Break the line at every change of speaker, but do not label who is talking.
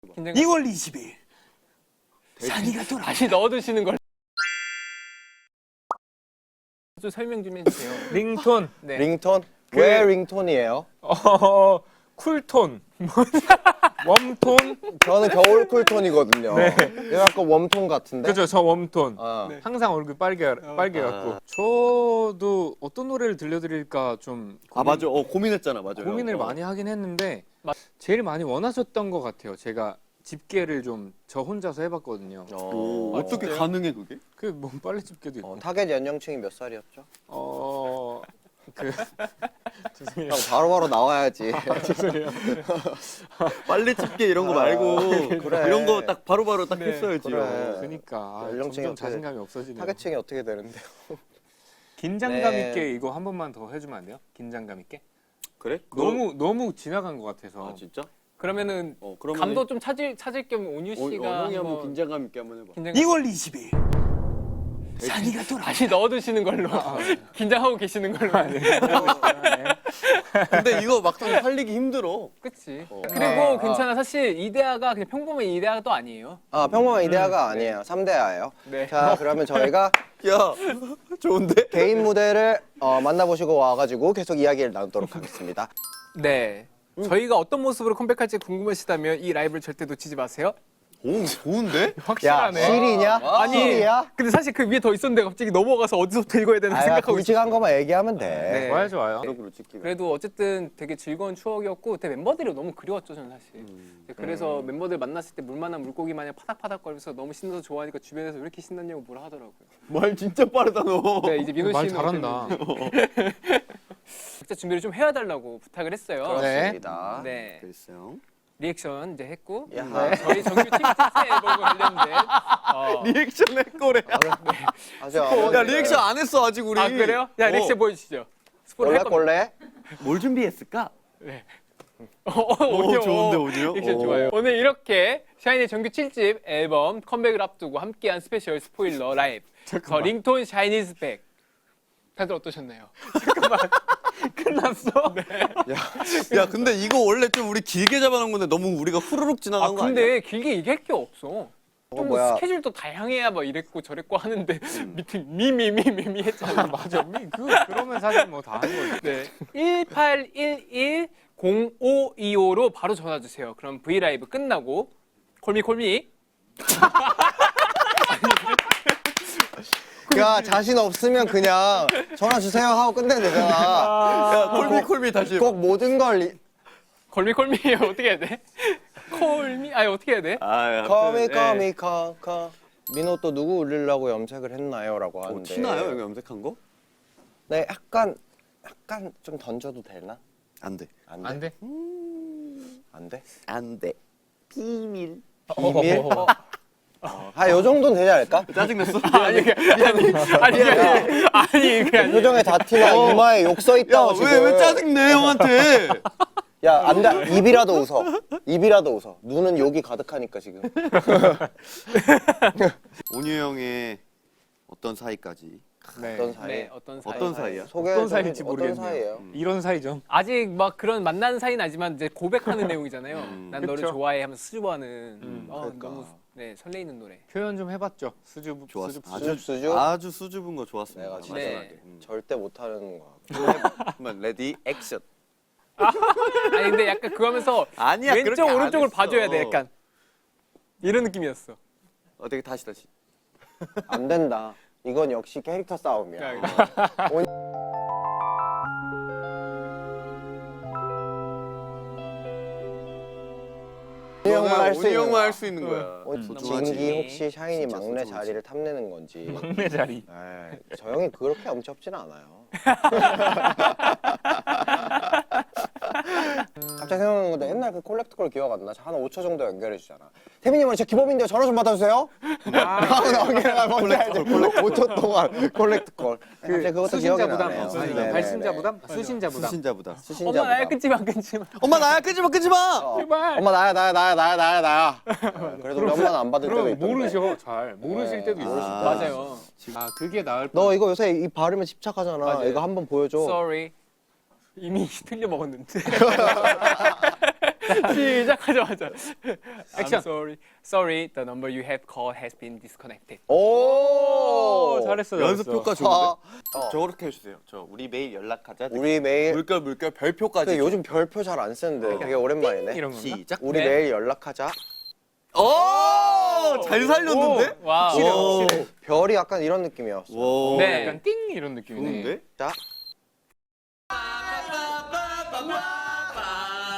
2월 20일 샤니가 돌아.
다시 넣어두시는 걸. 좀 설명 좀 해주세요.
링톤.
네.
링톤? 왜 링톤이에요?
쿨톤. 웜톤.
저는 겨울 쿨톤이거든요.
네.
얘가 아까 웜톤 같은데?
그죠, 저 웜톤.
네.
항상 얼굴 빨개갖고. 저도 어떤 노래를 들려드릴까 좀
맞아. 고민했잖아, 맞아요.
고민을 많이 하긴 했는데 제일 많이 원하셨던 것 같아요. 제가 집게를 좀 저 혼자서 해봤거든요.
어떻게 가능해 그게?
그 뭐 빨래 집게도 있고.
타겟 연령층이 몇 살이었죠?
죄송해요.
형 바로바로 나와야지.
죄송해요.
빨래 집게 이런 거 말고
그래.
이런 거 딱 바로바로 딱 했어야지요.
그래.
그러니까
연령층이
점점
어떻게
자신감이 없어지네요.
타겟층이 어떻게 되는데요?
긴장감
네.
있게 이거 한 번만 더 해주면 안 돼요? 긴장감 있게?
그래?
너무 지나간 것 같아서.
아 진짜?
그러면은
그러면
감도 좀 찾을 겸 온유 씨가
형이 한번 긴장감 있게 한번 해봐.
2월 20일 샤니가 돌아.
다시 넣어두시는 걸로. 긴장하고 계시는 걸로.
근데 이거 막상 살리기 힘들어.
그치. 그리고 괜찮아. 사실 이데아가 그냥 평범한 이데아가 또 아니에요.
평범한 이데아가 아니에요. 3대아예요.
네.
자, 그러면 저희가
야, 좋은데?
개인 무대를 만나보시고 와가지고 계속 이야기를 나누도록 하겠습니다.
네. 저희가 어떤 모습으로 컴백할지 궁금하시다면 이 라이브를 절대 놓치지 마세요.
오, 좋은데?
야,
확실하네.
실이냐?
아니,
실이야?
근데 사실 그 위에 더 있었는데 갑자기 넘어가서 어디서부터 읽어야 되나 생각하고 있어요.
굵직한 것만 얘기하면 돼.
네.
좋아요.
그래도 어쨌든 되게 즐거운 추억이었고 되게 멤버들이 너무 그리웠죠 저는 사실. 그래서 멤버들 만났을 때 물만한 물고기 마냥 파닥파닥거리면서 너무 신나서 좋아하니까 주변에서 왜 이렇게 신났냐고 뭐라 하더라고요.
말 진짜 빠르다 너.
네, 이제 민호
말
씨는
잘한다.
각자 준비를 좀 해달라고 부탁을 했어요.
그렇습니다.
네.
글쎄요.
리액션 이제 했고
야.
네, 저희 정규 팀 특세 앨범과 관련된
리액션 할 거래. 야, 리액션 안 했어 아직 우리.
아 그래요? 야 리액션 보여주시죠. 스포를 할 겁니다.
꼴래?
뭘 준비했을까?
오디오.
좋은데, 오디오?
리액션 좋아요. 오늘 이렇게 샤이니의 정규 7집 앨범 컴백을 앞두고 함께한 스페셜 스포일러 라이브 더 링톤 샤이니즈 백. 다들 어떠셨나요? 잠깐만 끝났어? 네.
야, 근데 이거 원래 좀 우리 길게 잡아놓은 건데 너무 우리가 후루룩 지나간 거 아니야?
근데 길게 얘기할 게 없어. 좀
뭐야.
스케줄도 다양해야 막 이랬고 저랬고 하는데 미팅 미미미미미 했잖아.
맞아. 그러면 사실 뭐 다 한 거지.
네. 1811-0525로 바로 전화 주세요. 그럼 V 라이브 끝나고 콜미
야, 자신 없으면 그냥 전화 주세요 하고 끝내면 되잖아.
야, 콜미 다시 해봐.
꼭 모든 걸
콜미 어떻게 해야 돼? 콜미 아니 어떻게 해야 돼?
커미 커 민호 또 누구 울리려고 염색을 했나요? 라고 하는데
티나요? 여기 염색한 거?
네, 약간 좀 던져도 되나?
안 돼.
안
안
돼?
돼?
안 돼?
안 돼. 비밀.
비밀? 요 정도는 되지 않을까?
짜증났어?
아니 그게
표정에 다 티나 이마에 욕 써 있다고 지금.
왜 짜증내 형한테?
야, 안 돼. 입이라도 웃어. 눈은 욕이 가득하니까 지금.
온유 형의 어떤 사이까지?
네.
어떤 사이?
네, 어떤 사이?
어떤 사이야?
소개
어떤
좀
사이일지
어떤
모르겠네요.
사이예요?
이런 사이죠.
아직 막 그런 만난 사이는 아니지만 이제 고백하는 내용이잖아요. 난 너를
그쵸.
좋아해 하면서 수줍어하는
그러니까.
너무 설레이는 노래.
표현 좀 해봤죠. 수줍.
좋았어.
수줍?
아주 수줍은 거 좋았습니다.
내가 진짜
네.
절대 못하는 거야.
그러면 레디 액션.
아니 근데 약간 그거 하면서
아니야,
왼쪽
그렇게 안
오른쪽을
했어.
봐줘야 돼 약간 이런 느낌이었어.
어떻게 다시.
안 된다. 이건 역시 캐릭터 싸움이야.
온유 형만 할 수 있는 거야.
진기 혹시 샤이니
진짜
막내
소중하지.
자리를 탐내는 건지.
막내 자리.
에이, 저 형이 그렇게 엄청지는 않아요. 갑자기 생각나는 건데 옛날 그 콜렉트콜 기억 안 나? 한 5초 정도 연결해 주잖아. 태민님 오늘 제 기법인데요. 전화 좀 받아주세요. 하고 나오기가 뭔지 알지? 5초 동안 콜렉트콜. 갑자기 그것도 기억이
수신자 부담.
나네요.
아니,
네네네.
발신자 부담? 수신자 부담.
수신자보다.
수신자
엄마 나야
부담.
끊지 마.
엄마 나야 끄지 마.
제발.
엄마 나야. 그래도 우리 엄마는 안 받을 때도
그럼
있던데.
모르셔. 잘 모르실 때도 있어요.
맞아요.
아 그게 나을
너 이거 요새 이 발음에 집착하잖아.
맞아요.
이거 한번 보여줘.
Sorry. 이미 틀려 먹었는데. 시작하자마자
액션.
I'm sorry, the number you have called has been disconnected.
오,
잘했어.
연습
잘했어.
효과 좋은데?
어.
저렇게 해주세요. 저 우리 매일 연락하자.
우리 매일
물결 별표까지.
근데 요즘 별표 잘 안 쓰는데 되게 오랜만이네.
이런 건가?
시작.
우리
네.
매일 연락하자.
오, 잘 살렸는데?
와우.
오.
별이 약간 이런 느낌이었어.
와.
네.
약간 띵 이런 느낌이네.
좋은데?
자,